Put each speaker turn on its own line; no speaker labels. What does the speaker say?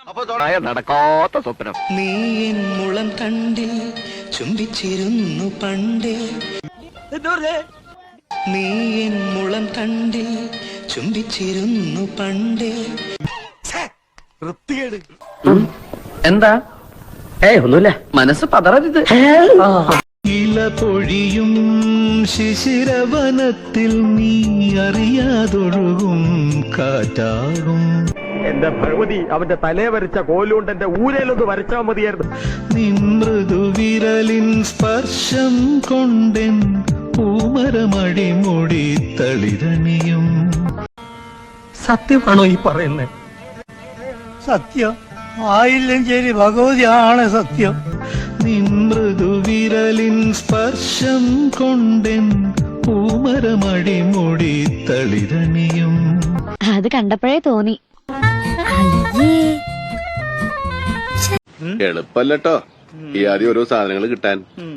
നടക്കാത്ത സ്വപ്നം.
നീ എൻ മുളം തണ്ടിൽ ചുംബിച്ചിരുന്നു പണ്ടേ. നീ എൻ മുളം തണ്ടിൽ ചുംബിച്ചിരുന്നു പണ്ടേ.
എന്താ? ഒന്നുമില്ല, മനസ്സ് പതറരുത്.
ഇല പൊഴിയും ശിശിരവനത്തിൽ നീ അറിയാതൊഴുകും കാറ്റാകും.
എന്റെ ഭഗവതി, അവന്റെ തലേ വരച്ച കോലുകൊണ്ട് എന്റെ ഊരയിലൊന്ന് വരച്ചാൽ മതിയായിരുന്നു.
നിൻ മൃദുവിരലിൻ സ്പർശം കൊണ്ടെൻ പൂമരമടിമുടി തളിരണിയും.
സത്യമാണോ ഈ പറയുന്നത്?
സത്യം ആയില്ലഞ്ചേരി ഭഗവതിയാണ് സത്യം.
നിൻ മൃദുവിരലിൻ സ്പർശം കൊണ്ടെൻ പൂമരമടിമുടി തളിരണിയും.
അത് കണ്ടപ്പോഴേ തോന്നി.
എളുപ്പല്ലോ ഈ ആദ്യം ഓരോ സാധനങ്ങൾ കിട്ടാൻ.